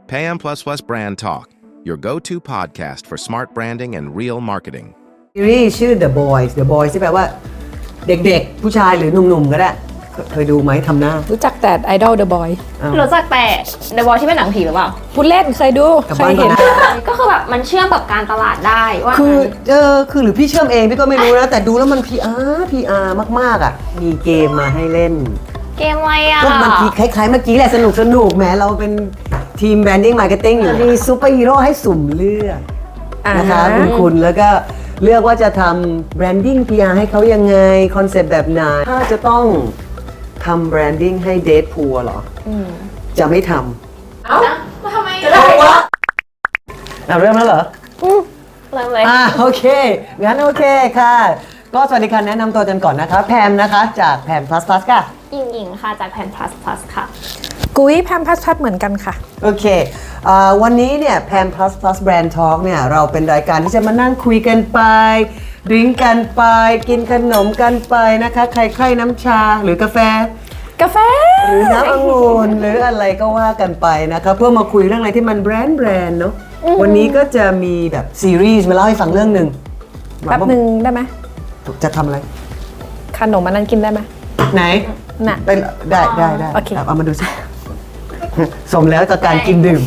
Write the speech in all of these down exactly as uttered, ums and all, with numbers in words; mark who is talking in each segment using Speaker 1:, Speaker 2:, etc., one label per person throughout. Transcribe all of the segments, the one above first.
Speaker 1: Payam Plus Plus Brand Talk, your go-to podcast for smart branding and real marketing.
Speaker 2: ซีรีส์ชื่อ The Boys The Boys ที่แปลว่าเด็กๆผู้ชายหรือหนุ่มๆก็ได้เคยดูไหมทำหน้า
Speaker 3: รู้จักแต่ Idol The Boy
Speaker 4: รู้จักแต่ The Boy ที่เป็นหนังผีหรือเปล่า
Speaker 3: พูดเล่นเคยดูเคยเห็น
Speaker 4: ก็คือแบบมันเชื่อมกับการตลาดได้ว่า
Speaker 2: คือเออคือหรือพี่เชื่อมเองพี่ก็ไม่รู้นะแต่ดูแล้วมัน พี อาร์ พี อาร์ มากๆอ่ะมีเกมมาให้เล่น
Speaker 4: เกมอะไรอ่ะ
Speaker 2: ก็มันคล้ายๆเมื่อกี้แหละสนุกสนุกแหมเราเป็นทีมแบรนดิ้งมาร์เก็ตติ้งอยู่มีซูเปอร์ฮีโร่ให้สุ่มเลือกนะคะคุณคุณแล้วก็เลือกว่าจะทำแบรนดิ้ง พี อาร์ ให้เขายังไงคอนเซ็ปต์แบบไหนถ้าจะต้องทำแบรนดิ้งให้เดทพูลเหรอจะไม่ทำ
Speaker 4: เอ้าทำไม
Speaker 2: จะได้วะเริ่มแล้วเหรอ
Speaker 4: เริ่มเลย
Speaker 2: อ่าโอเคงั้นโอเคค่ะก็สวัสดีค่ะแนะนำตัวกันก่อนนะคะแพมนะคะจากแพม plus plus ค่ะ
Speaker 4: หญิงหญิงค่ะจากแพน plus plus ค่ะ
Speaker 3: กุ้ยแพมพัสพัดเหมือนกันค่ะ
Speaker 2: โอเคเอ่อวันนี้เนี่ยแพม plus plus brand talk เนี่ยเราเป็นรายการที่จะมานั่งคุยกันไปดื่มกันไปกินขนมกันไปนะคะใครใครน้ำชาหรือกาแฟ
Speaker 3: กาแฟ
Speaker 2: หรือน้ำองุ่นหรืออะไรก็ว่ากันไปนะคะเพื่อมาคุยเรื่องอะไรที่มันแบรนด์แบรนด์เนาะวันนี้ก็จะมีแบบซีรีส์มาเล่าให้ฟังเรื่องหนึ่ง
Speaker 3: แป๊บหนึ่งได้ไหม
Speaker 2: จะทำอะไร
Speaker 3: ขนมอันนั้นกินได้ไหม
Speaker 2: ไหน
Speaker 3: น่ะ
Speaker 2: ได้ได้ได้ได้
Speaker 3: โอเค
Speaker 2: เอามาดูสิสมแล้วกับการกินดื่ม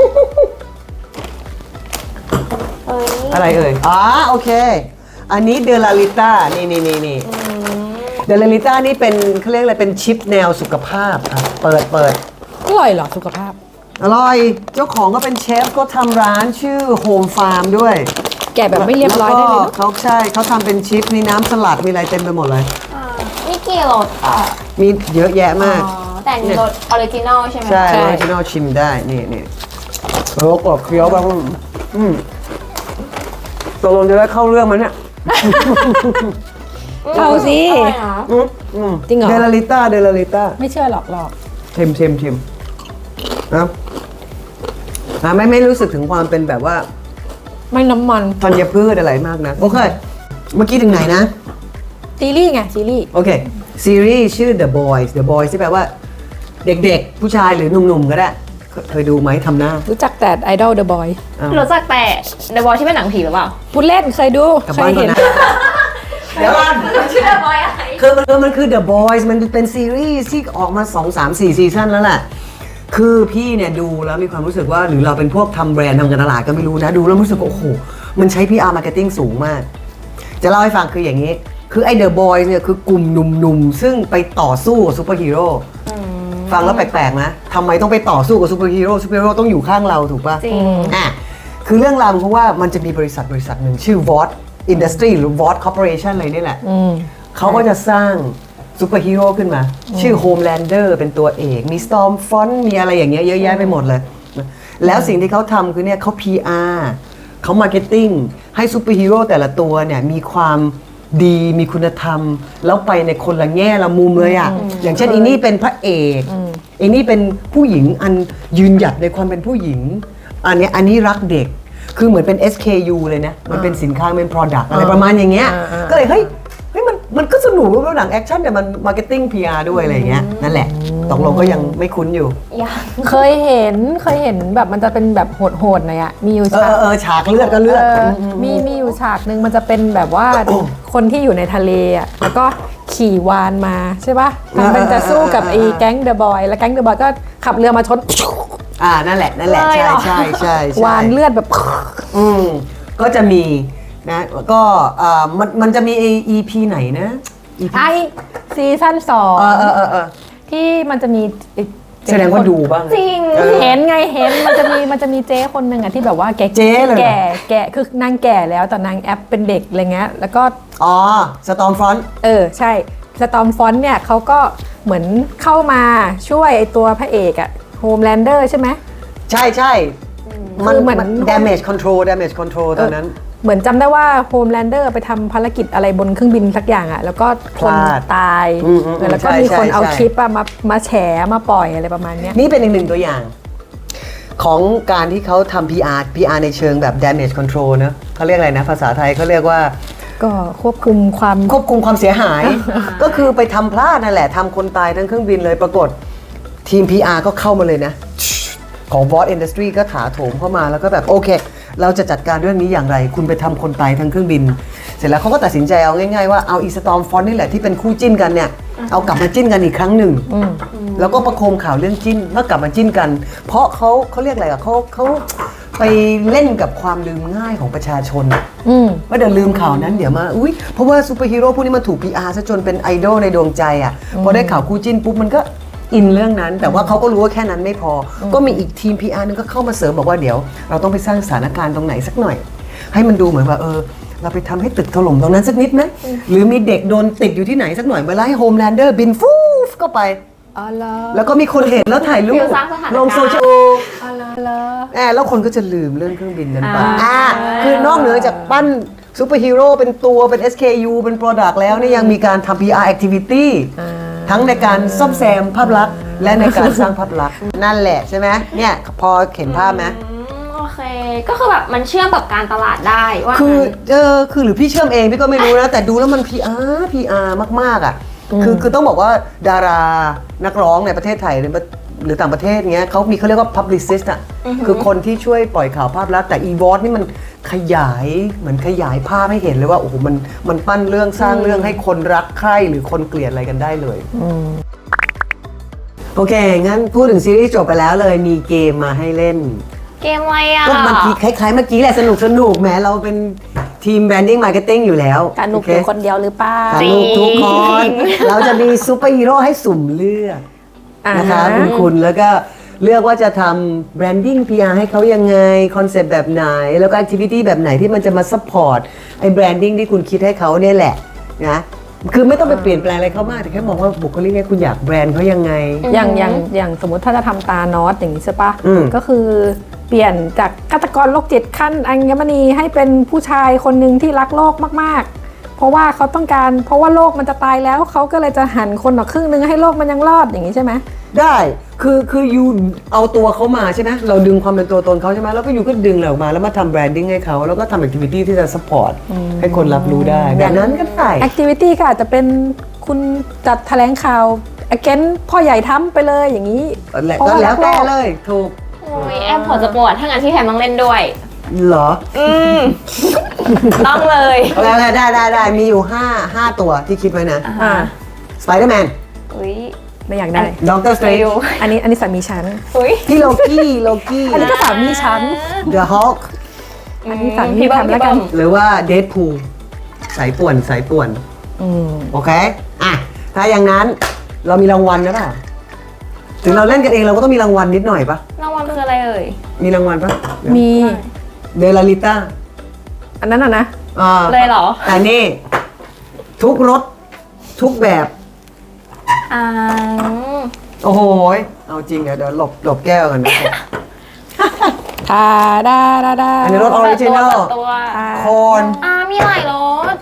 Speaker 4: เอ้ย
Speaker 2: อะไรเอ่ยอ๋อโอเค อันนี้เดลาลิต้านี่นี่นี่นี่เดลาลิต้านี่เป็นเขาเรียกอะไรเป็นชิปแนวสุขภาพอ่ะเปิดเปิด
Speaker 3: อร่อยเหรอสุขภาพ
Speaker 2: อร่อยเจ้าของก็เป็นเชฟก็ทำร้านชื่อโฮมฟาร์มด้วย
Speaker 3: แกะแบบไม่เรียบร้อยได้เลย
Speaker 2: แว
Speaker 3: เน
Speaker 2: ก็
Speaker 3: อะ
Speaker 2: เขาใช่เขาทำเป็นชิปมีน้ำสลัดมีอะไรเต็มไปหมดเลย
Speaker 4: อ่านี่กี่รสอ่ะ
Speaker 2: มีเยอะแยะมาก
Speaker 4: อ๋อแต่อันนี่รสออริจินอลใช่ไหม
Speaker 2: ใช่ออริจินอลชิมได้นี่นี่โอ้กรอบเคี้ยวแบบอืมตกลงจะได้เข้าเรื่องมั้ยเนี่ย
Speaker 3: เอาสิ
Speaker 4: อร่อยนะ
Speaker 2: อืมอืม
Speaker 3: จริงเหรอ
Speaker 2: เดลาลิต้าเดลาลิต้า
Speaker 3: ไม่เชื่อหรอกหรอก
Speaker 2: ชิมชิมชิมนะอ่ะไม่ไม่รู้สึกถึงความเป็นแบบว่า
Speaker 3: ไม่น้ำมัน
Speaker 2: ธัญพืชอะไรมากนะโอเคเมื่อกี้ถึงไหนนะ
Speaker 3: ซีรีส์ไงซีรีส์
Speaker 2: โอเคซีรีส์ชื่อ The Boys The Boys ที่แปลว่าเด็กๆผู้ชายหรือหนุ่มๆก็ได้เคเคยดูไหมทำหน้า
Speaker 3: รู้จักแต่ Idol The Boy
Speaker 2: อ้าว
Speaker 4: รู้จักแต่ The Boy ที่เป็นหนังผีหรือเปล่า
Speaker 3: พูดเล่นเคยดู
Speaker 2: กลับ
Speaker 3: เค
Speaker 2: บ้าย นก่อ
Speaker 3: เห็
Speaker 2: น
Speaker 3: น
Speaker 2: นะเดี๋ยวก่อน
Speaker 4: ชื่อ The Boy อะไร
Speaker 2: คือมันคือมันคือ The Boys มันเป็นซีรีส์ที่ออกมาสอง สาม สี่ซีซั่นแล้วแหละคือพี่เนี่ยดูแล้วมีความรู้สึกว่าหรือเราเป็นพวกทำแบรนด์ทำการตลาดก็ไม่รู้นะดูแล้วรู้สึกว่าโอ้โหมันใช้ พี อาร์ marketing สูงมาก จะเล่าให้ฟังคืออย่างนี้ คือไอ้ The Boys เนี่ยคือกลุ่มหนุ่มๆ ซึ่งไปต่อสู้กับซูเปอร์ฮีโร่ฟังแล้วแปลกๆนะทำไมต้องไปต่อสู้กับซูเปอร์ฮีโร่ซูเปอร์ฮีโร่ต้องอยู่ข้างเราถูกป่ะ
Speaker 4: จริง
Speaker 2: อ่ะคือเรื่องราวเพราะว่ามันจะมีบริษัทบริษัทหนึ่งชื่อ วอต Industry หรือ วอต Corporation อะไรนี่แหละ
Speaker 3: อืม
Speaker 2: เขาก็จะสร้างซูเปอร์ฮีโร่ขึ้นมา ชื่อ Homelander เป็นตัวเอก มี Stormfront มีอะไรอย่างเงี้ยเยอะแยะไปหมดเลย แล้วสิ่งที่เขาทำคือเนี่ยเขา พี อาร์ เขา Marketing ให้ซูเปอร์ฮีโร่แต่ละตัวเนี่ยมีความดีมีคุณธรรม แล้วไปในคนละแง่ละมุมเลยอ่ะ อย่างเช่นอีนี่เป็นพระเอกอีนี่เป็นผู้หญิงอันยืนหยัดในความเป็นผู้หญิง อันเนี้ยอันนี้รักเด็ก คือเหมือนเป็น เอส เค ยู เลยนะ มันเป็นสินค้าเป็น Product อะไรประมาณอย่างเงี้ย ก็เลยเฮ้ย เฮ้ยมันมันก็สนุกรูปหนังแอคชั่นแต่มันมาร์เก็ตติ้ง พี อาร์ ด้วยอะไรอย่างเงี้ยนั่นแหละตกลงก็ยังไม่คุ้นอยู่
Speaker 4: ยัง
Speaker 3: เคยเห็นเคยเห็นแบบมันจะเป็นแบบโหดๆหน่อยอะมีอยู่
Speaker 2: เอ
Speaker 3: ฉาก
Speaker 2: อเออฉากเลือดก็เลือด
Speaker 3: เออมีมีอยู่ฉากหนึ่งมันจะเป็นแบบว่า คนที่อยู่ในทะเลอะแล้วก็ขี่วานมาใช่ปะทำเป็นจะสู้กับไอ้แก๊งเดอะบอยแล้วแก๊งเดอะบอยก็ขับเรือมาชน
Speaker 2: อ่านั่นแหละนั่นแหละใช่ใช่ใช่ใช่
Speaker 3: วานเลือดแบบ
Speaker 2: อืมก็จะมีนะก็อ่ามันมันจะมี อี พี ไหนนะ อี พี
Speaker 3: ไอซีซั่นสอง
Speaker 2: เออเออเออเออ
Speaker 3: ที่มันจะมีไอ้
Speaker 2: แสดงว่าดูบ้าง
Speaker 4: จริง
Speaker 2: เออ
Speaker 3: เห็นไงเห็นมันจะมีมันจะมีเจ๊คนหนึ่งอะที่แบบว่าแก่
Speaker 2: เจ๊เลยเหรอ
Speaker 3: แก่แก่คือนางแก่แล้วแต่นางแอปเป็นเด็กอะไรเงี้ยแล้วก็
Speaker 2: อ๋อสตอมฟรอนต์
Speaker 3: เออใช่สตอมฟอนต์เนี่ยเขาก็เหมือนเข้ามาช่วยไอตัวพระเอกอะโฮมแลนเดอร์ใช่ไหม
Speaker 2: ใช่ใช่มัน
Speaker 3: คือเหมือน
Speaker 2: มัน damage control damage control ตอนนั้น
Speaker 3: เหมือนจำได้ว่าโฮมแลนเดอร์ไปทำภารกิจอะไรบนเครื่องบินสักอย่างอะแล้วก็คน
Speaker 2: พลาด
Speaker 3: ตาย
Speaker 2: อืมอืม
Speaker 3: เออแล้วก็
Speaker 2: ใช่
Speaker 3: มีคน
Speaker 2: ใช่
Speaker 3: เอา
Speaker 2: ใช่
Speaker 3: คลิปอะมามาแฉมาปล่อยอะไรประมาณเนี้ย
Speaker 2: นี่เป็นอีกหนึ่งตัวอย่าง ของการที่เขาทำ พี อาร์ พี อาร์ ในเชิงแบบ damage control เนอะเขาเรียกอะไรนะ ภาษาไทยเขาเรียกว่า
Speaker 3: ก็ควบคุมความ
Speaker 2: ควบคุมความเสียหาย ก็คือไปทำพลาดนั่นแหละทำคนตายทั้งเครื่องบินเลยปรากฏทีม พี อาร์ ก็เข้ามาเลยนะของ วอต Industry ก็ถาโถมเข้ามาแล้วก็แบบโอเค เราจะจัดการเรื่องนี้อย่างไร คุณไปทำคนตายทั้งเครื่องบิน เสร็จแล้วเขาก็ตัดสินใจเอาง่ายๆว่าเอาอีสตอมฟอนนี่แหละที่เป็นคู่จิ้นกันเนี่ยเอากลับมาจิ้นกันอีกครั้งหนึ่งแล้วก็ประโคมข่าวเรื่องจิ้นเมื่อกลับมาจิ้นกัน เพราะเขาเขาเรียกอะไรอะเขาเขาไปเล่นกับความลืมง่ายของประชาชน
Speaker 3: อืม
Speaker 2: ว่าเดี๋ยวลืมข่าวนั้นเดี๋ยวมาอุ้ยเพราะว่าซูเปอร์ฮีโร่พวกนี้มันถูก พี อาร์ ซะจนเป็นไอดอลในดวงใจอ่ะพอได้ข่าวคู่จิ้นปุ๊บมันก็อินเรื่องนั้น แต่ว่าเขาก็รู้ว่าแค่นั้นไม่พออก็มีอีกทีม พี อาร์ นึงก็เข้ามาเสริมบอกว่าเดี๋ยวเราต้องไปสร้างสถานการณ์ตรงไหนสักหน่อย ให้มันดูเหมือนว่าเออเราไปทำให้ตึกถล่มตรงนั้นสักนิดไหมหรือมีเด็กโดนติดอยู่ที่ไหนสักหน่อยเวลาให้โฮมแลนเดอร์บินฟูฟเข้าไป
Speaker 3: อ๋อเหรอ
Speaker 2: แล้วก็มีคนเห็นแล้วถ่ายรู
Speaker 4: ฟิ
Speaker 2: ป
Speaker 4: ลสร้างสถานการณ์
Speaker 2: ลงโซเชียล
Speaker 3: อ๋อเหรอเหรอ
Speaker 2: แอบแล้วคนก็จะลืมเรื่องเครื่องบินนั้นไป
Speaker 4: อ่า
Speaker 2: อ่าคือนอกเหนือจากปั้นซูเปอร์ฮีโร่เป็นตัวเป็น เอส เค ยู เป็น Product แล้วนี่ยังมีการทำ พี อาร์ Activity ทั้งในการซ่อมแซมภาพลักษณ์และในการสร้างภาพลักษณ์นั่นแหละใช่ไหมเนี่ยพอเห็นภาพไหม
Speaker 4: อืมโอเค ก็คือแบบมันเชื่อมกับการตลาดได้ว่า
Speaker 2: คือ
Speaker 4: งั้น
Speaker 2: เออคือหรือพี่เชื่อมเองพี่ก็ไม่รู้นะ แต่ดูแล้วมัน พี อาร์ พี อาร์ มากๆอ่ะคือคือต้องบอกว่าดารานักร้องในประเทศไทยหรือหรือต่างประเทศเงี้ยเขามีเขาเรียกว่า publicist อ่ะคือคนที่ช่วยปล่อยข่าวภาพลักษณ์แต่ อี วอ ที นี่มันขยายเหมือนขยายภาพให้เห็นเลยว่าโอ้โหมันมันปั้นเรื่องสร้างเรื่องให้คนรักใคร่หรือคนเกลียดอะไรกันได้เลยโอเค งั้นพูดถึงซีรีส์จบไปแล้วเลยมีเกมมาให้เล่น
Speaker 4: เกมอะไรอ่ะ
Speaker 2: ก็เมื่อกี้คล้ายๆเมื่อกี้แหละสนุกสนุกแหมเราเป็นทีม branding marketing อยู่แล้ว
Speaker 3: การหนุก
Speaker 2: โอ
Speaker 3: อยู่
Speaker 2: เค
Speaker 3: คนเดียวหรือเปล่า
Speaker 2: สนุกทุกคน เราจะมีซูเปอร์ฮีโร่ให้สุ่มเลือก
Speaker 3: อ่าฮะ
Speaker 2: นะคะคุณคุณแล้วก็เลือกว่าจะทำ branding พี อาร์ ให้เขายังไง คอนเซปต์แบบไหน แล้วก็ activity แบบไหนที่มันจะมา support ไอ้ branding ที่คุณคิดให้เขาเนี่ยแหละนะคือไม่ต้องไปเปลี่ยนแปลงอะไรเขามากแต่แค่มองว่าบุคลิกเนี่ยคุณอยากแบรนด์เขายังไง
Speaker 3: อย่างอย่างอย่างสมมติถ้าจะทำตานอสอย่างนี้ใช่ปะ
Speaker 2: อืม
Speaker 3: ก็คือเปลี่ยนจากฆาตกรโรคจิตขั้นอัญมณีให้เป็นผู้ชายคนหนึ่งที่รักโลกมากๆ เพราะว่าเขาต้องการเพราะว่าโลกมันจะตายแล้วเขาก็เลยจะหันคนออกครึ่งนึงให้โลกมันยังรอดอย่างนี้ใช่ไหม
Speaker 2: ได้คือคือยูเอาตัวเขามาใช่ไหมเราดึงความเป็นตัวตนเขาใช่ไหมแล้วก็ยูก็ดึงเราออกมาแล้วมาทำแบรนดิ้งให้เขาแล้วก็ทำแอคทิวิตี้ที่จะ support ให้คนรับรู้ได้แบบนั้นก็ได้
Speaker 3: แอคทิวิตี้ก็อาจจะเป็นคุณจัดแถลงข่าว against พ่อใหญ่ทำไปเลยอย่างนี้
Speaker 2: แล้ว
Speaker 3: เพราะ
Speaker 2: ก็
Speaker 3: ว่า
Speaker 2: แล้วแต่
Speaker 3: รักโลก
Speaker 2: เลยถูก
Speaker 4: โอ้ยแอมพอจะปวดถ้างั้นพี่แพมต้องเล่นด้วย
Speaker 2: เหรอ
Speaker 4: อืม ต้องเลย
Speaker 2: แล้วได้ได้ได้มีอยู่ห้าห้าตัวที่คิดไว้นะ
Speaker 3: อ่า
Speaker 2: Spider-Man
Speaker 4: อุ้ย
Speaker 3: ไม่อยากได้
Speaker 2: Doctor
Speaker 4: ไป
Speaker 2: Strange
Speaker 4: ดู
Speaker 3: อันนี้อันนี้สามีฉัน
Speaker 4: อุ้ย
Speaker 2: พี่โลกี้โลกี้
Speaker 3: อันนี้ก็สามีฉัน
Speaker 2: The Hulk
Speaker 3: อันนี้สามี
Speaker 4: พี่เบิ้ม
Speaker 3: ทำแล้ว
Speaker 4: พี่
Speaker 3: กั
Speaker 4: เบิ้
Speaker 3: น
Speaker 4: ม
Speaker 2: หรือว่า Deadpool สายป่วนสายป่วน
Speaker 3: อืม
Speaker 2: โอเค อ่ะ ถ้าอย่างนั้นเรามีรางวัลนะเปล่าถึงเราเล่นกันเองเราก็ต้องมีรางวัลนิดหน่อยปะ
Speaker 4: รางวัลคืออะไรเอ่ย
Speaker 2: มีรางวัลปะ
Speaker 3: มี
Speaker 2: เดลาลิต้า
Speaker 3: อันนั้นอ่ะนะ
Speaker 2: อ่า
Speaker 4: เลยเหรอ
Speaker 2: แต่นี่ ทุกรถทุกแบบ
Speaker 4: อ่า
Speaker 2: โอ้โหยเอาจริงอะเดี๋ยวหลบหลบแก้วกันนะ
Speaker 3: ทาดาดาดา
Speaker 2: อันนี้รถ original
Speaker 4: เปิดตัว
Speaker 2: โคน
Speaker 4: อ่ามีหลายรส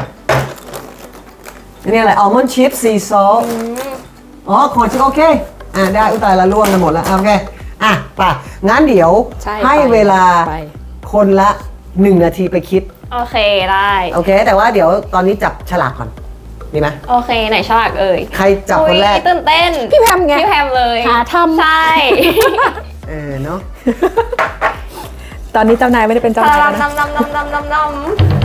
Speaker 2: อันนี้อะไรอัลมอนด์ชิพซีซอสอ๋อโคนชิพโอเค อ่ะได้อุยตายละล่วงกันหมดแล้วโอเค อ่ะไป่ะ งั้นเดี๋ยว
Speaker 3: ใช่
Speaker 2: ให้
Speaker 3: ไป
Speaker 2: เวลา
Speaker 3: ไป
Speaker 2: คนละหนึ่งนาทีไปคิด
Speaker 4: โอเคได้
Speaker 2: โอเค แต่ว่าเดี๋ยวตอนนี้จับฉลากก่อน ดีไหม
Speaker 4: โอเคไหนฉลากเอ่ย
Speaker 2: ใครจับคนแรก
Speaker 4: อุ๊ยตื่นเต้น
Speaker 3: พี่แพมไง
Speaker 4: พี่แพมเลย
Speaker 3: หาทำ
Speaker 4: ใช่
Speaker 2: เออเนาะ
Speaker 3: ตอนนี้เจ้านายไม่ได้เป็นเจ้านายแล้วนะ
Speaker 4: น้ำน้ำน้ำน้ำน้ำน้ำ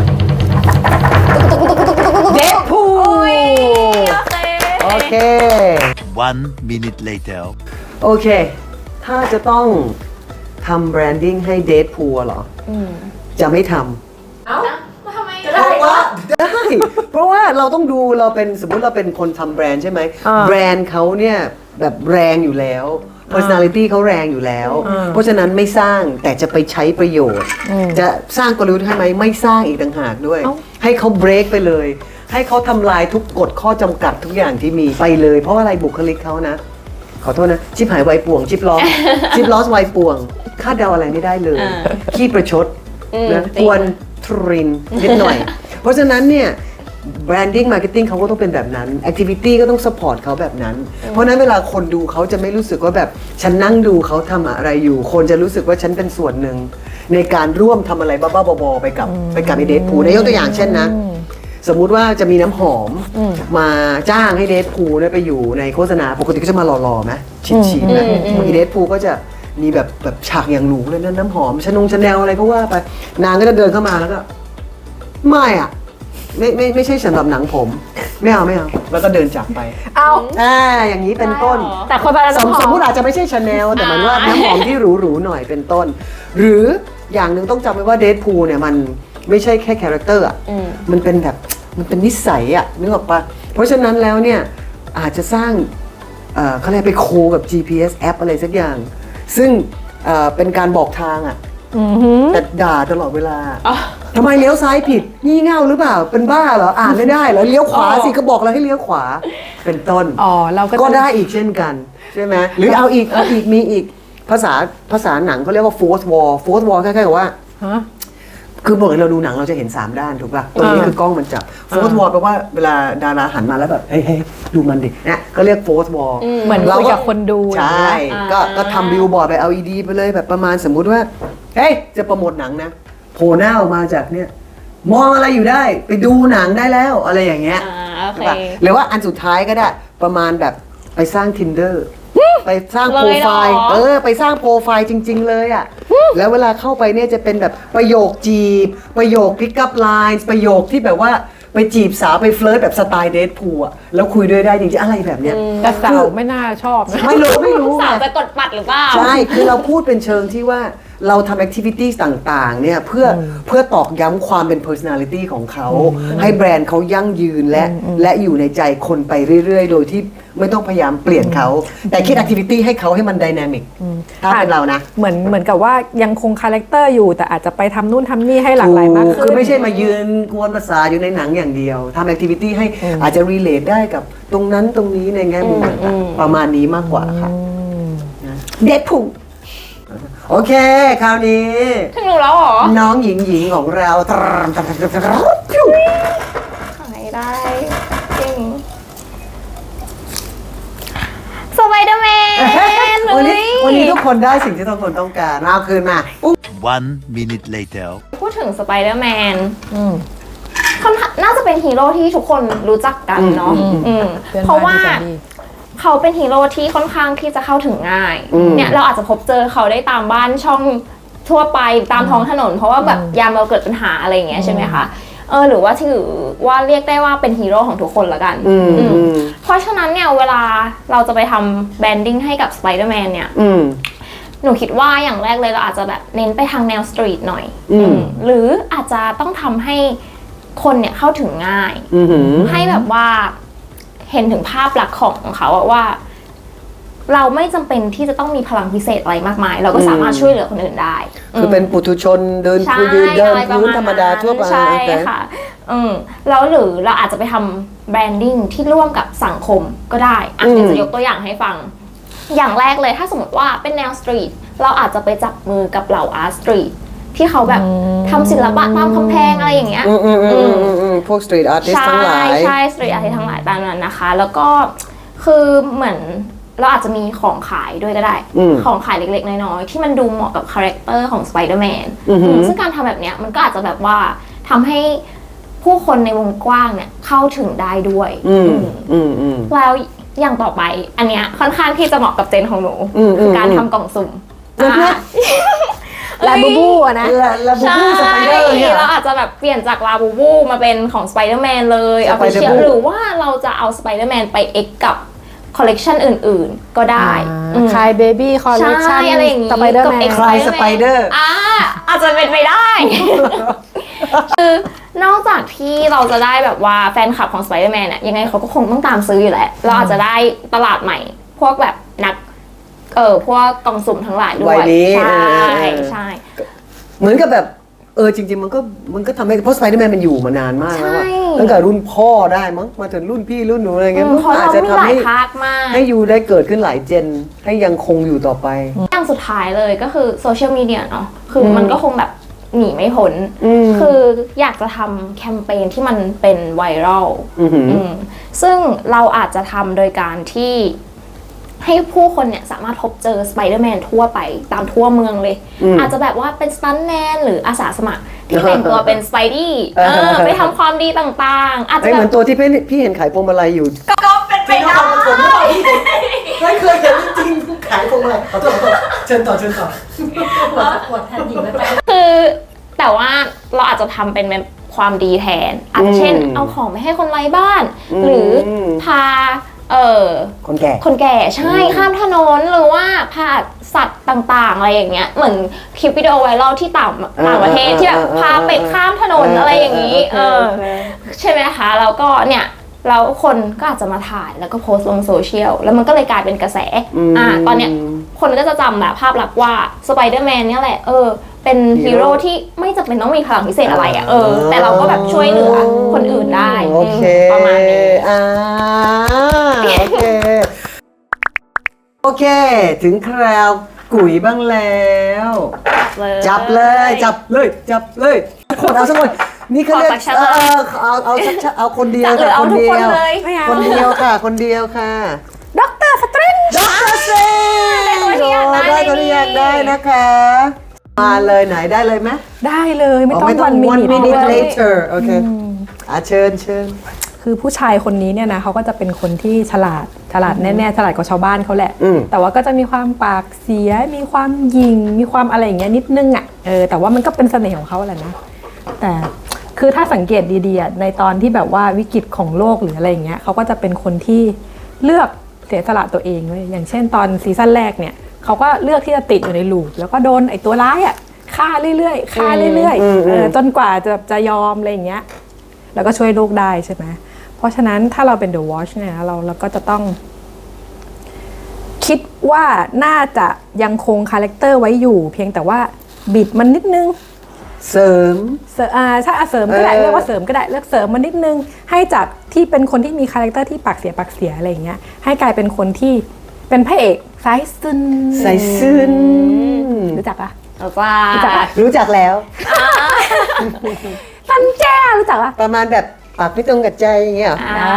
Speaker 2: เดดพูล
Speaker 4: โอเค
Speaker 2: โอเค
Speaker 5: One minute later.
Speaker 2: โอเค ถ้าจะต้องทำแบรนดิ้งให้เดดพูลเหรออจะไม่ทำ
Speaker 4: เอ้าทำไม
Speaker 2: เพราะว่าได้ เพราะว่าเราต้องดูเราเป็นสมมุติเราเป็นคนทำแบรนด์ใช่ไหม
Speaker 3: อ่า
Speaker 2: แบรนด์เขาเนี่ยแบบแรงอยู่แล้ว personality เขาแรงอยู่แล้ว
Speaker 3: อ่า
Speaker 2: เพราะฉะนั้นไม่สร้างแต่จะไปใช้ประโยชน์ จะสร้างกลยุทธ์ให้ไหมไม่สร้างอีกต่างหากด้วย
Speaker 3: เอ้า
Speaker 2: ให้เขาเบรกไปเลย ให้เขาทำลายทุกกฎข้อจำกัดทุกอย่างที่มีไปเลย เพราะอะไรบุคลิกเขานะ ขอโทษนะ ชิปหายไวป่วง ชิปล้อ ชิปลอสไวป่วง คาดเดาอะไรไม่ได้เลย
Speaker 4: อ่า
Speaker 2: ขี้ประชด
Speaker 4: อืม
Speaker 2: นะ
Speaker 4: จริง
Speaker 2: กวนทรินนิดหน่อย เพราะฉะนั้นเนี่ย branding marketing เขาก็ต้องเป็นแบบนั้น activity ก็ต้อง support เขาแบบนั้น เพราะฉะนั้นเวลาคนดูเขาจะไม่รู้สึกว่าแบบฉันนั่งดูเขาทำอะไรอยู่ คนจะรู้สึกว่าฉันเป็นส่วนหนึ่ง ในการร่วมทำอะไรบ้าๆบอๆไปกับไปกับไอเดทพูลยกตัวอย่างเช่นนะ สมมุติว่าจะมีน้ำหอมมาจ้างให้เดทพูลเนี่ยไปอยู่ในโฆษณาปกติก็จะมาหล่อๆไหมฉีดๆนะอีเดทพูลก็จะมีแบบแบบฉากอย่างหรูเลยนะน้ำหอมชนงชาแนลอะไรก็ว่าไปนางก็จะเดินเข้ามาแล้วก็ไม่อ่ะไม่ไม่ไม่ใช่สำหรับหนังผมไม่เอาไม่เอาแล้วก็เดินจากไป
Speaker 3: เอา
Speaker 2: อ่าอย่างนี้เป็นต้น
Speaker 4: ได้เหรอ
Speaker 3: แต่คนไปแล้ว
Speaker 2: สมสมมติอาจจะไม่ใช่ชาแนลแต่หมันว่าน้ำหอมที่หรูๆหน่อยเป็นต้น หรืออย่างหนึ่งต้องจำไว้ว่าเดดพูลเนี่ยมันไม่ใช่แค่คาแรคเตอร์อ่ะ
Speaker 4: อืม
Speaker 2: มันเป็นแบบมันเป็นนิสัยอ่ะนึกออกปะเพราะฉะนั้นแล้วเนี่ยอาจจะสร้างเอ่อเขาเรียกไปโคกับ จี พี เอส แอปอะไรสักอย่าง ซึ่งเอ่อเป็นการบอกทางอ่ะ
Speaker 3: อือหือ
Speaker 2: แต่ด่าตลอดเวลาทำไมเลี้ยวซ้ายผิดงี่เง่าหรือเปล่าเป็นบ้าเหรออ่านไม่ได้เหรอเลี้ยวขวาสิก็บอกแล้วให้เลี้ยวขวาเป็นต้น
Speaker 3: อ๋อเราก็
Speaker 2: ก็
Speaker 3: จะ
Speaker 2: ได้อีกเช่นกันใช่ไหมหรือเอาอีกเอาอีกมีอีกภาษาภาษาหนังเขาเรียกว่า fourth wall fourth wall คล้ายๆกับว่า
Speaker 3: ฮะ
Speaker 2: คือปกติเราดูหนังเราจะเห็น สาม ด้านถูกป่ะตรงนี้
Speaker 3: อ่า
Speaker 2: คือกล้องมันจับ fourth wall แปลว่าเวลาดาราหันมาแล้วแบบเฮ้ยเฮ้ยดูมันดิเนี่ยก็เรียก fourth wall
Speaker 3: เหมือนคุยกับคนดู
Speaker 2: ใช่
Speaker 4: อ่า
Speaker 2: ก็ก็ทำบิลบอร์ดไป แอล อี ดี ไปเลยแบบประมาณสมมุติว่าเฮ้ยจะโปรโมทหนังนะโผล่หน้าออกมาจากเนี่ยมองอะไรอยู่ได้ไปดูหนังได้แล้วอะไรอย่างเงี้ย
Speaker 4: อ่าโอเค
Speaker 2: ใช่ปะหรือว่าอันสุดท้ายก็ได้ประมาณแบบไปสร้าง tinder ไปสร้างโปรไฟล์
Speaker 4: เลยเหรอ
Speaker 2: เออไปสร้างโปรไฟล์จริง ๆ เลยอ่ะแล้วเวลาเข้าไปเนี่ยจะเป็นแบบประโยคจีบ ประโยค pick up lines ประโยคที่แบบว่าไปจีบสาวไปเฟลิร์ตแบบสไตล์เดทพูลอ่ะแล้วคุยด้วยได้จริงๆอะไรแบบเนี้ย
Speaker 3: แต่สาวไม่น่าชอบนะ
Speaker 2: ไม่รู้ไม่รู้
Speaker 4: สาว
Speaker 2: ไง
Speaker 4: จะกดปัดหรือเปล่า
Speaker 2: ใช่ คือเราพูดเป็นเชิงที่ว่าเราทำแอคทิวิตี้ต่างๆ เนี่ยเพื่อเพื่อตอกย้ำความเป็น personality ของเขา ให้แบรนด์เขายั่งยืนและและอยู่ในใจคนไปเรื่อยๆ โดยที่ไม่ต้องพยายามเปลี่ยนเขา แต่คิดแอคทิวิตี้ให้เขาให้มันไดนามิกถ้าเป็นเรานะ
Speaker 3: เหมือนเหมือนกับว่ายังคงคาแรคเตอร์อยู่แต่อาจจะไปทำนู่นทำนี่ให้หลากหลายมาก
Speaker 2: ถู
Speaker 3: ขึ้น
Speaker 2: คือไม่ใช่มายืนกวนภาษาอยู่ในหนังอย่างเดียวทำแอคทิวิตี้ให้อาจจะ relate ได้กับตรงนั้นตรงนี้ในแง่มุมต่างๆประมาณนี้มากกว่าค่ะเด็ดผูโอเค คราวนี้
Speaker 4: ถึงหนูแล้วเหรอ
Speaker 2: น้องหญิงหญิงของเรา
Speaker 4: ขายได้จริงสไปเดอร์แมน
Speaker 2: วันนี้วันนี้ทุกคนได้สิ่งที่ทุกคนต้องการมาเอาคืนมาอุ๊ย
Speaker 5: One minute later.
Speaker 4: พูดถึงสไปเดอร์แมนค่อนข้างน่าจะเป็นฮีโร่ที่ทุกคนรู้จักกันเนาะอืม
Speaker 3: พื่อน
Speaker 4: เพราะว่า
Speaker 3: บ้นที่แสนดี
Speaker 4: เขาเป็นฮีโร่ที่ค่อนข้างที่จะเข้าถึงง่าย
Speaker 2: อืม
Speaker 4: เนี่ยเราอาจจะพบเจอเขาได้ตามบ้านช่องทั่วไปตามท้องถนน เพราะว่าแบบยามเราเกิดปัญหาอะไรอย่างเงี้ยใช่ไหมคะเออหรือว่าถือว่าเรียกได้ว่าเป็นฮีโร่ของทุกคนละกัน
Speaker 2: อืม
Speaker 4: อืม
Speaker 2: อืม
Speaker 4: เพราะฉะนั้นเนี่ยเวลาเราจะไปทำแบรนดิ้งให้กับสไปเดอร์แมนเนี่ย
Speaker 2: อืม
Speaker 4: หนูคิดว่าอย่างแรกเลยเราอาจจะแบบเน้นไปทางแนวสตรีทหน่อย
Speaker 2: อืม
Speaker 4: อืมหรืออาจจะต้องทำให้คนเนี่ยเข้าถึงง่าย
Speaker 2: อืม
Speaker 4: ให้แบบว่าเห็นถึงภาพลักษณ์ของเขาอะว่า เราไม่จำเป็นที่จะต้องมีพลังพิเศษอะไรมากมาย เราก็สามารถช่วยเหลือคนอื่นได้
Speaker 2: คือเป็นปุถุชนเดิน
Speaker 4: ใช่
Speaker 2: คือยืนเดิน
Speaker 4: อะไรประ
Speaker 2: พื้น
Speaker 4: ณ
Speaker 2: ธรรมดาทั่วไป
Speaker 4: ใช่
Speaker 2: โอเค
Speaker 4: ค่ะอืมแล้วหรือเราอาจจะไปทำแบรนดิ้งที่ร่วมกับสังคมก็ได้อ่ะเดี๋ยวจะยกตัวอย่างให้ฟัง อย่างแรกเลยถ้าสมมติว่าเป็นแนวสตรีทเราอาจจะไปจับมือกับเหล่าอาร์ตสตรีทที่เขาแบบทำศิลปะตามกำแพงอะไรอย่างเงี้ย
Speaker 2: อืมอืมอืมอืมอืมพวกสตรีทอาร์ติสต์ทั้งหลาย
Speaker 4: ใช่สตรีทอาร์ติสต์ทั้งหลายตามนั้นนะคะ แล้วก็คือเหมือนเราอาจจะมีของขายด้วยก็ได้
Speaker 2: อืม
Speaker 4: ของขายเล็กๆน้อยๆที่มันดูเหมาะกับคาแรคเตอร์ของสไปเดอร์แมน
Speaker 2: อือหือ
Speaker 4: ซึ่งการทำแบบเนี้ยมันก็อาจจะแบบว่าทำให้ผู้คนในวงกว้างเนี่ยเข้าถึงได้ด้วย
Speaker 2: อืม
Speaker 4: อืม
Speaker 2: อืมอืม
Speaker 4: แล้วอย่างต่อไปอันเนี้ยค่อนข้างที่จะเหมาะกับเจนของหนู
Speaker 2: อืมอืม
Speaker 4: คือการทำกล่องสุ่ม
Speaker 2: อืม
Speaker 4: อ่ะ
Speaker 3: ลาบูบูอะนะ
Speaker 2: และและบู
Speaker 4: ใช่
Speaker 2: บูสไปเดอร์เนี่ย
Speaker 4: เราอาจจะแบบเปลี่ยนจากลาบูบูมาเป็นของสไปเดอร์แมนเลยเอาไปเชีย
Speaker 2: Spider-Man
Speaker 4: หรือว่าเราจะเอาสไปเดอร์แมนไปเอ็กกับคอลเลกชันอื่นๆ ก็ได้อืม
Speaker 3: คายเบบี้คอลเลคชั
Speaker 4: ใช่
Speaker 3: น
Speaker 4: อะไรอย่างงี้
Speaker 3: สไปเดอร์แม
Speaker 4: กับ
Speaker 3: น
Speaker 4: X
Speaker 2: คลายสไปเดอร์
Speaker 4: อ่าอาจจะเป็นไปได้ คือนอกจากที่เราจะได้แบบว่าแฟนคลับของสไปเดอร์แมนเนี่ยยังไงเขาก็คงต้องตามซื้ออยู่แหละเราอาจจะได้ตลาดใหม่ พวกแบบนักเออพวกกล่องสุ่มทั้งหลายด้ว
Speaker 2: วั
Speaker 4: ย
Speaker 2: ยนี้
Speaker 4: ใช่
Speaker 2: เออเออ
Speaker 4: ใช่
Speaker 2: เหมือนกับแบบเออจริงๆมันก็มันก็ทำให้เพราะสไปเดอร์แมนมันอยู่มานานมากแล้วอะ
Speaker 4: ใช่
Speaker 2: ตั้งแต่รุ่นพ่อได้มั้งมาถึงรุ่นพี่รุ่นหนูอะไรเงี้ย
Speaker 4: อืม
Speaker 2: มัน
Speaker 4: เพราะ
Speaker 2: อาจ
Speaker 4: เรา
Speaker 2: จะ
Speaker 4: มี
Speaker 2: ทำ
Speaker 4: หลาย
Speaker 2: ให้
Speaker 4: ภาคมาก
Speaker 2: ให้ยูได้เกิดขึ้นหลายเจน ให้ยังคงอยู่ต่อไป
Speaker 4: อย่างสุดท้ายเลยก็คือโซเชียลมีเดียเนาะคือมันก็คงแบบหนีไม่พ้น
Speaker 2: อืม
Speaker 4: คืออยากจะทำแคมเปญที่มันเป็นไวรัล
Speaker 2: อือหือ
Speaker 4: อืมซึ่งเราอาจจะทำโดยการที่ให้ผู้คนเนี่ยสามารถพบเจอสไปเดอร์แมนทั่วไปตามทั่วเมืองเลย
Speaker 2: อืม
Speaker 4: อาจจะแบบว่าเป็นสตันท์แมนหรืออาสาสมัครที่แต่งตัวเป็นสไปดี้
Speaker 2: เออ
Speaker 4: เออไปทำความดีต่างๆ อาจจะ
Speaker 2: ไอ้
Speaker 4: แบ
Speaker 2: เหมือบ นตัวที่พี่พี่เห็นขายพวงมาลัยอยู่
Speaker 4: ก็เป็นไปได้
Speaker 2: ไม่เคยเห็นจริงๆขายพวงมาลัยขอโทษขอโทษเชิญต่อเชิญต่อ
Speaker 3: ปวดแทนหญิงแล้วกัน
Speaker 4: คือแต่ว่าเราอาจจะทำเป็นแบบความดีแทน อาจจะเช่น เอาของไปให้คนไร้บ้าน หรือพาเออ
Speaker 2: คนแก่
Speaker 4: คนแก่ใช่ข้ามถนนหรือว่าพาสัตว์ต่างๆอะไรอย่างเงี้ยเหมือนคลิปวิดีโอไวรัลที่ต่างต่างประเทศที่แบบพาเป็ดข้ามถนนอะไรอย่างนี้เออใช่ไหมคะแล้วก็เนี่ยแล้วคนก็อาจจะมาถ่ายแล้วก็โพสต์ลงโซเชียลแล้วมันก็เลยกลายเป็นกระแสอ่าตอนเนี้ยคนก็จะจำแบบภาพลักษณ์ว่าสไปเดอร์แมนเนี่ยแหละเออเป็นฮีโร่ที่ไม่จำเป็นต้องมีพลังพิเศษอะไรอ่ะเออแต่เราก็แบบช่วยเหลือคนอื่นได้
Speaker 2: โอเค
Speaker 4: ประมาณนี้
Speaker 2: อ่าโอเค โอเค ถึงคราวกุ๋ยบ้างแล้ว จับเลย จับเลย จับเลยคนเอาสักคนนี่เขาเรียก
Speaker 4: ขอสักชั้น
Speaker 2: เอ
Speaker 4: ละ
Speaker 2: อเอาเอาสักชั้นเอาคนเดียว
Speaker 4: จะหรือ
Speaker 2: ค่ะ
Speaker 4: เอา
Speaker 2: คน
Speaker 4: ทุก
Speaker 2: เดี
Speaker 4: คน
Speaker 2: ยว
Speaker 4: เลย
Speaker 3: ไม่เอา
Speaker 2: คนเดียวค่ะ คนเดียวค่ะ
Speaker 3: ด็อกเตอร์สตริง
Speaker 2: ด็อกเตอร์เซน
Speaker 4: ได้ตัวที่อยากได้
Speaker 2: ได้ตัวที่อยากได้นะคะ มาเลยไหนได้เลยไหม
Speaker 3: ได้เลยไม่ต้อง
Speaker 2: ไม่ต้อ
Speaker 3: วั
Speaker 2: ง
Speaker 3: นมิ
Speaker 2: one
Speaker 3: นิ
Speaker 2: minute later โอเคอ่ะเชิญเชิญ
Speaker 3: คือผู้ชายคนนี้เนี่ยนะเขาก็จะเป็นคนที่ฉลาดฉลาดแน่ๆฉลาดกว่าชาวบ้านเขาแหละ
Speaker 2: อืม
Speaker 3: แต่ว่าก็จะมีความปากเสียมีความหยิงมีความอะไรอย่างเงี้ยนิดนึงอ่ะเออแต่ว่ามันก็เป็นเสน่ห์ของเขาแหละนะแต่คือถ้าสังเกตดีๆอ่ะในตอนที่แบบว่าวิกฤตของโลกหรืออะไรอย่างเงี้ยเขาก็จะเป็นคนที่เลือกเสียสละตัวเองเลยอย่างเช่นตอนซีซั่นแรกเนี่ยเขาก็เลือกที่จะติดอยู่ในลูปแล้วก็โดนไอ้ตัวร้ายอ่ะฆ่าเรื่อยๆฆ่าเรื่อยๆเออจนกว่าจะจะยอมอะไรอย่างเงี้ยแล้วก็ช่วยโลกได้ใช่ไหมเพราะฉะนั้นถ้าเราเป็น The Watch เนี่ยเราเราก็จะต้องคิดว่าน่าจะยังคงคาแรคเตอร์ไว้อยู่ เพียงแต่ว่าบิดมันนิดนึง
Speaker 2: เสริม
Speaker 3: เสริมอ่าถ้าอ่ะเสริมก็ได้
Speaker 2: เออ
Speaker 3: เรียกว่าเสริมก็ได้เลือกเสริมมันนิดนึง ให้จากที่เป็นคนที่มีคาแรคเตอร์ที่ปากเสียปากเสียอะไรอย่างเงี้ยให้กลายเป็นคนที่เป็นพระเอกสายซึน
Speaker 2: ใส่ซึ้น
Speaker 3: รู้จักปะ
Speaker 4: เอาจ้า
Speaker 3: รู้จักปะ
Speaker 2: รู้จักแล้ว
Speaker 3: ตันแจ้รู้จักปะ
Speaker 2: ประมาณแบบปากไม่ตรงกับใจอย่างเงี้ยเหรอ
Speaker 3: อ่า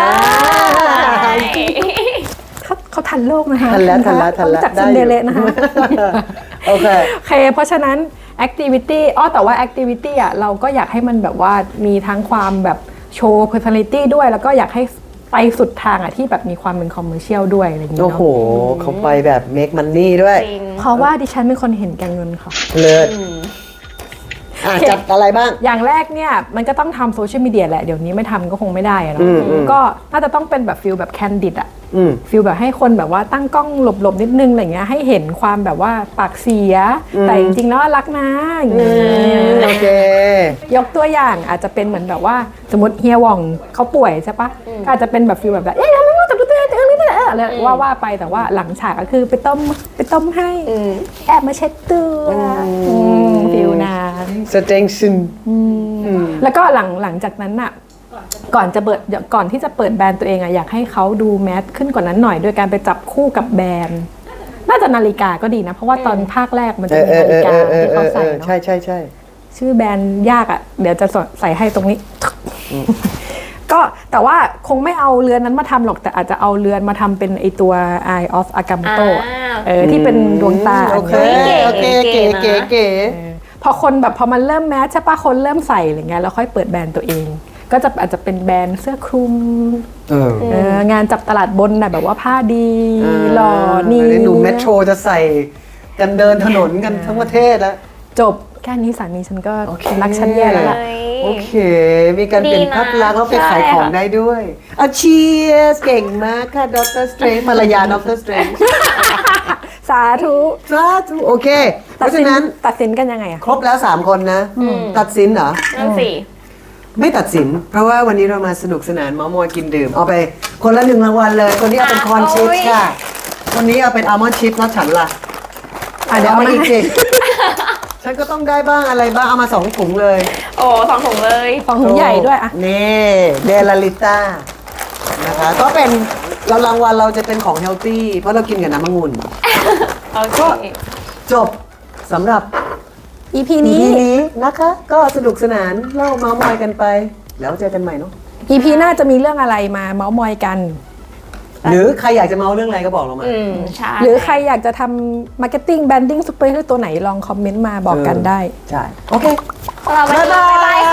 Speaker 3: เขาเขาทันโลกนะคะ
Speaker 2: ทันแล้วทันแล้วทันแล้ว
Speaker 3: รู้จัก
Speaker 2: ได้
Speaker 3: ซิน
Speaker 2: อยู่
Speaker 3: เดอเรลนะคะ
Speaker 2: โอเค
Speaker 3: โอเค เพราะฉะนั้น activity อ๋อแต่ว่า activity อ่ะเราก็อยากให้มันแบบว่ามีทั้งความแบบโชว์ personality ด้วย แล้วก็อยากให้ไปสุดทางอ่ะที่แบบมีความเป็น commercial ด้วยอะไรอย่างเงี้ย
Speaker 2: โอ้โห
Speaker 3: เนาะ
Speaker 2: เขาไปแบบ make money ด้วย
Speaker 4: จริง
Speaker 3: เพราะว่าดิฉันเป็นคนเห็นแก่เงินค่ะ
Speaker 2: เลิศอ่ะจัดอะไรบ้าง
Speaker 3: อย่างแรกเนี่ยมันก็ต้องทำโซเชียลมีเดียแหละ เดี๋ยวนี้ไม่ทำก็คงไม่ได้อะเนาะ
Speaker 2: อืมอืม
Speaker 3: ก็น่าจะต้องเป็นแบบฟิลแบบแคนดิดอะ
Speaker 2: อืม
Speaker 3: ฟิลแบบให้คนแบบว่าตั้งกล้องหลบๆนิดนึงอะไรเงี้ยให้เห็นความแบบว่าปากเสีย แต่จริงๆแล้วรักนะอย่างเงี้ย
Speaker 2: โอเค
Speaker 3: ยกตัวอย่างอาจจะเป็นเหมือนแบบว่าสมมติเฮียหว่องเขาป่วยใช่ปะก็อาจจะเป็นแบบฟิลแบบแบบเอ๊ะทำไมไม่จับตัวเองเออนี่เอออะไรว่าว่าไปแต่ว่าหลังฉากก็คือไปต้มไปต้มให้แอบมาเช็ดตัวอืมฟิลนั้น
Speaker 2: สเตงซึน
Speaker 3: แล้วก็หลังหลังจากนั้นน่ะก่อนจะเปิดก่อนที่จะเปิดแบรนด์ตัวเองอะอยากให้เขาดูแมสขึ้นกว่านั้นหน่อย โดยการไปจับคู่กับแบรนด์น่าจะนาฬิกาก็ดีนะ เพราะว่าตอนภาคแรกมัน
Speaker 2: เอ
Speaker 3: จะ
Speaker 2: อ
Speaker 3: มี
Speaker 2: เออ
Speaker 3: นา
Speaker 2: เอ
Speaker 3: ฬิ
Speaker 2: อก
Speaker 3: า
Speaker 2: เออเอ
Speaker 3: ที่
Speaker 2: อ
Speaker 3: เขา
Speaker 2: เอ
Speaker 3: ใส่
Speaker 2: อ
Speaker 3: เนาะ
Speaker 2: ใช่ใช่ใช่
Speaker 3: ชื่อแบรนด์ยากอะเดี๋ยวจะใส่ให้ตรงนี้ ก็แต่ว่าคงไม่เอาเรือนนั้นมาทำหรอกแต่อาจจะเอาเรือนมาทำเป็นไอตัว Eye of Agamotto อะ
Speaker 4: อ่า
Speaker 3: เออที่เป็นดวงตา
Speaker 2: โอเค
Speaker 3: อันนี้
Speaker 2: โอเค
Speaker 4: เก๋
Speaker 2: เก๋
Speaker 4: ๆนะ
Speaker 2: เก๋เก๋
Speaker 3: เออพอคนแบบพอมันเริ่มแมสใช่ปะคนเริ่มใส่อะไรเงี้ยแล้วค่อยเปิดแบรนด์ตัวเอง ก็จะอาจจะเป็นแบรนด์เสื้อคลุม
Speaker 2: เออ
Speaker 3: เอองานจับตลาดบนน่ะแบบว่าผ้าดีหล่อนี่
Speaker 2: เดี๋ยวหนูเมโทรจะใส่กันเดินถนนกันทั้งประเทศแล้ว
Speaker 3: จบแค่นี้สามีฉันก็
Speaker 2: โอเค
Speaker 3: รักฉันแย่แล้วล่ะ
Speaker 2: โอเค มีการเปลี่ยนภาพลักษณ์แล้วไปขายของได้ด้วยเอาเชียร์เก่งมากค่ะดรสเตรนภรรยาดรสเตรน
Speaker 3: สาธุ
Speaker 2: สาธุโอเค เพ
Speaker 3: ตัด
Speaker 2: ราะ
Speaker 3: สิ
Speaker 2: ฉะ
Speaker 3: น
Speaker 2: นั้น
Speaker 3: ตัดสินกันยังไงอะ
Speaker 2: ครบแล้วสามคนนะ ตัดสินเหรอ
Speaker 4: นั่นสิ
Speaker 2: ไม่ตัดสิน เพราะว่าวันนี้เรามาสนุกสนานเมามอยกินดื่ม เอาไปคนละหนึ่งรางวัลเลย คนนี้เอาเป็นคอนชิป
Speaker 4: โอ้ย
Speaker 2: ค่ะ คนนี้เอาเป็นอัลมอนด์ชิพแล้วฉันล่ะ
Speaker 3: อ่ะเดี๋ยว
Speaker 2: เอา
Speaker 3: เอา
Speaker 2: มา
Speaker 3: มา
Speaker 2: อีกสิ ฉันก็ต้องได้บ้างอะไรบ้าง เอามาสองถุงเลย
Speaker 4: โอ้สองถุงเลย
Speaker 3: ของถุงใหญ่ด้วยอะ
Speaker 2: นี่เดลาลิต้านะคะ ก็เป็นเรารางวัลเราจะเป็นของเฮลตี้เพราะเรากินกับน้ำองุ่น
Speaker 4: โอเค
Speaker 2: จบสำหรับ
Speaker 3: อีพี
Speaker 2: ที
Speaker 3: นี้
Speaker 2: นี้นะคะ ก็สนุกสนานเล่าเมาส์มอยกันไป แล้วเจอกันใหม่เนาะ
Speaker 3: อีพีหน้าจะมีเรื่องอะไรมาเมาส์มอยกัน
Speaker 2: หรือใครอยากจะเมาเรื่องอะไรก็บอกเรามา
Speaker 4: อืม ใช่
Speaker 3: หรือใครอยากจะทำมาร์เก็ตติ้งแบรนดิ้งซุปเปอร์ฮีโร่ตัวไหนลองคอมเมนต์มาบอกกันได้
Speaker 2: ใช่ โอเค
Speaker 4: สำหรับวันนี้บ๊ายบาย